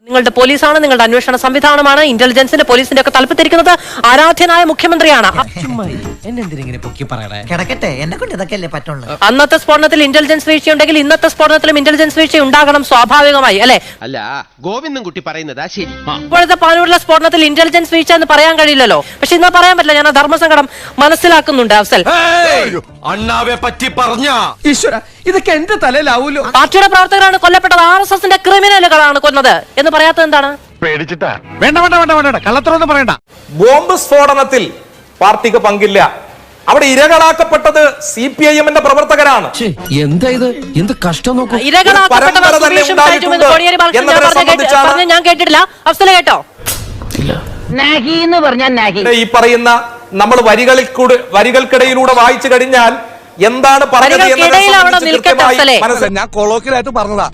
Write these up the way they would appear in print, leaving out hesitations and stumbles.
നിങ്ങളുടെ പോലീസാണ്, നിങ്ങളുടെ അന്വേഷണ സംവിധാനമാണ്, ഇന്റലിജൻസിന്റെ പോലീസിന്റെ ഒക്കെ തലപ്പത്തിരിക്കുന്നത് ആരാധ്യനായ മുഖ്യമന്ത്രിയാണ്. അന്നത്തെ സ്ഫോടനത്തിൽ ഇന്റലിജൻസ് വീഴ്ചയുണ്ടെങ്കിൽ ഇന്നത്തെ സ്ഫോടനത്തിലും ഇന്റലിജൻസ് വീഴ്ച ഉണ്ടാകണം സ്വാഭാവികമായി, അല്ലെ? അല്ല, ഗോവിന്ദൻകുട്ടി പറയുന്നതാ ശരി. ഇപ്പോഴത്തെ പാനൂരിലെ സ്ഫോടനത്തിൽ ഇന്റലിജൻസ് വീഴ്ച എന്ന് പറയാൻ കഴിയില്ലല്ലോ. പക്ഷെ ഇന്ന് പറയാൻ പറ്റില്ല. ഞാൻ ആ ധർമ്മസങ്കടം മനസ്സിലാക്കുന്നുണ്ട്. അഫ്സൽ, അണ്ണാവെ പറ്റി പറഞ്ഞ ഈശ്വര, ഇതൊക്കെ എന്റെ തലയിലാവൂലോ. പാർട്ടിയുടെ പ്രവർത്തകരാണ് കൊല്ലപ്പെട്ടത്, RSSന്റെ ക്രിമിനലുകളാണ് കൊന്നത് എന്ന് പറയാത്തത് എന്താണ്? പേടിച്ചിട്ടാ. വേണ്ട വേണ്ട വേണ്ട വേണ്ട, കള്ളത്തരൊന്നും പറയണ്ട. ബോംബ് സ്ഫോടനത്തിൽ പാർട്ടിക്ക് പങ്കില്ല. അവിടെ ഇരകളാക്കപ്പെട്ടത് CPIM-ന്റെ പ്രവർത്തകരാണ്. എന്താ ഇത്? എന്ത് കഷ്ടം നോക്കൂ. ഞാൻ കേട്ടിട്ടില്ല. അഫ്സൽ കേട്ടോ? ഈ പറയുന്ന നമ്മൾ വരികൾക്കിടയിലൂടെ വായിച്ചു കഴിഞ്ഞാൽ എന്താണ് പറഞ്ഞത് ഞാൻ കൊളോക്കിലായിട്ട് പറഞ്ഞതാ.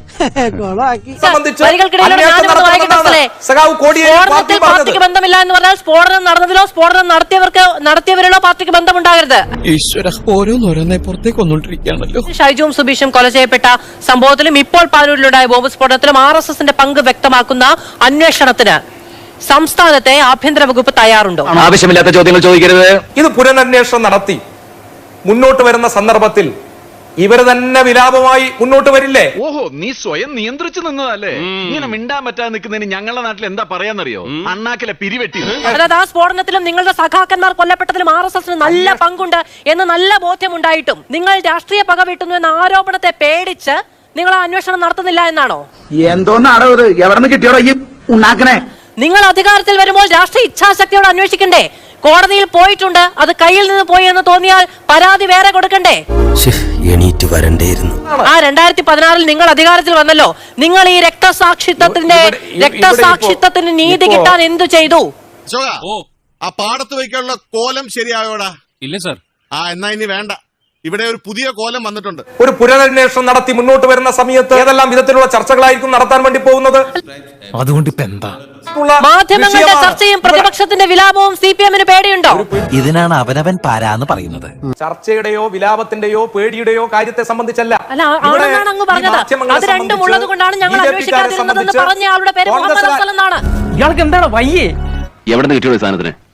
പാർട്ടിക്ക് ബന്ധമില്ല എന്ന് പറഞ്ഞാൽ സ്ഫോടനം നടന്നതിലോ സ്ഫോടനം നടത്തിയവരിലോ പാർട്ടിക്ക് ബന്ധമുണ്ടാകരുത്. ഈശ്വര, ഓരോന്നോരോന്നെ പുറത്തേക്ക് വന്നോണ്ടിരിക്കുകയാണല്ലോ. ഷൈജുവും സുബീഷും കൊല ചെയ്യപ്പെട്ട സംഭവത്തിലും ഇപ്പോൾ പാനൂരിലുണ്ടായ ബോംബ് സ്ഫോടനത്തിലും RSSന്റെ പങ്ക് വ്യക്തമാക്കുന്ന അന്വേഷണത്തിന് സംസ്ഥാനത്തെ ആഭ്യന്തര വകുപ്പ് തയ്യാറുണ്ടോ? ആവശ്യമില്ലാത്ത ചോദ്യങ്ങൾ ചോദിക്കരുത്. ഇത് പുനരന്വേഷണം നടത്തി മുന്നോട്ട് വരുന്ന സന്ദർഭത്തിൽ ഇവര് തന്നെ വിലാപമായി മുന്നോട്ട് വരില്ലേ? ഓഹോ, നീ സ്വയം നിയന്ത്രിച്ചു നിന്നതല്ലേ? ഇങ്ങനെ മിണ്ടാൻ പറ്റാതെ നിൽക്കുന്നതിന് ഞങ്ങളുടെ നാട്ടിൽ എന്താ പറയാന്നറിയോ? അണ്ണാക്കിലെ പിരിവെട്ടി. അതായത് ആ സ്ഫോടനത്തിലും നിങ്ങളുടെ സഖാക്കന്മാർ കൊല്ലപ്പെട്ടതിലും RSSന് നല്ല പങ്കുണ്ട് എന്ന് നല്ല ബോധ്യമുണ്ടായിട്ടും നിങ്ങൾ രാഷ്ട്രീയ പക വീട്ടുന്നു എന്ന ആരോപണത്തെ പേടിച്ച് നിങ്ങൾ ആ അന്വേഷണം നടത്തുന്നില്ല എന്നാണോ? എന്തോന്നാടോ ഇത്? എവിടെ നിന്ന് കിട്ടിയോടോ ഈ ഉണ്ടാക്കണേ? നിങ്ങൾ അധികാരത്തിൽ വരുമ്പോൾ രാഷ്ട്രീയ ഇച്ഛാശക്തിയോട് അന്വേഷിക്കണ്ടേ? കോടതിയിൽ പോയിട്ടുണ്ട്, അത് കയ്യിൽ നിന്ന് പോയി എന്ന് തോന്നിയാൽ പരാതി വേറെ കൊടുക്കണ്ടേ? എണീറ്റ് വരണ്ടേയിരുന്നു. ആ 2016 നിങ്ങൾ അധികാരത്തിൽ വന്നല്ലോ. നിങ്ങൾ ഈ രക്തസാക്ഷിത്വത്തിന് നീതി കിട്ടാൻ എന്തു ചെയ്തു? ആ പാടത്ത് വയ്ക്കാനുള്ള കോലം ശരിയായോടാ? ഇല്ല സർ. എന്നാ ഇനി വേണ്ട. ഇവിടെ ഒരു പുതിയ കോലം വന്നിട്ടുണ്ട്. ഒരു പുനരന്വേഷണം നടത്തി മുന്നോട്ട് വരുന്ന സമയത്ത് ഏതെല്ലാം വിധത്തിലുള്ള ചർച്ചകളായിരിക്കും നടത്താൻ വേണ്ടി പോകുന്നത്? അതുകൊണ്ട് ഇപ്പൊ എന്താ? മാധ്യമങ്ങളുടെ ചർച്ചയും പ്രതിപക്ഷത്തിന്റെ വിലാപവും CPM-ന് പേടിയുണ്ടോ? ഇതിനാണ് അവനവൻ പാരാന്ന് പറയുന്നത്. ചർച്ചയുടെയോ വിലാപത്തിന്റെയോ പേടിയുടെയോ കാര്യത്തെ സംബന്ധിച്ചല്ല. അല്ല, ആണെന്നാണ് അങ്ങ് പറഞ്ഞത്. അത് രണ്ടും ഉള്ളത് കൊണ്ടാണ് ഞങ്ങൾ അന്വേഷിക്കാതിരുന്നതെന്ന് പറഞ്ഞ ആളുടെ പേര് മുഹമ്മദ് അഫ്സൽ എന്നാണ്. ഇയാൾക്ക് എന്താണ് വയ്യേ? എവിടെ നിന്ന് കിട്ടിയോ സാധനത്തിന്?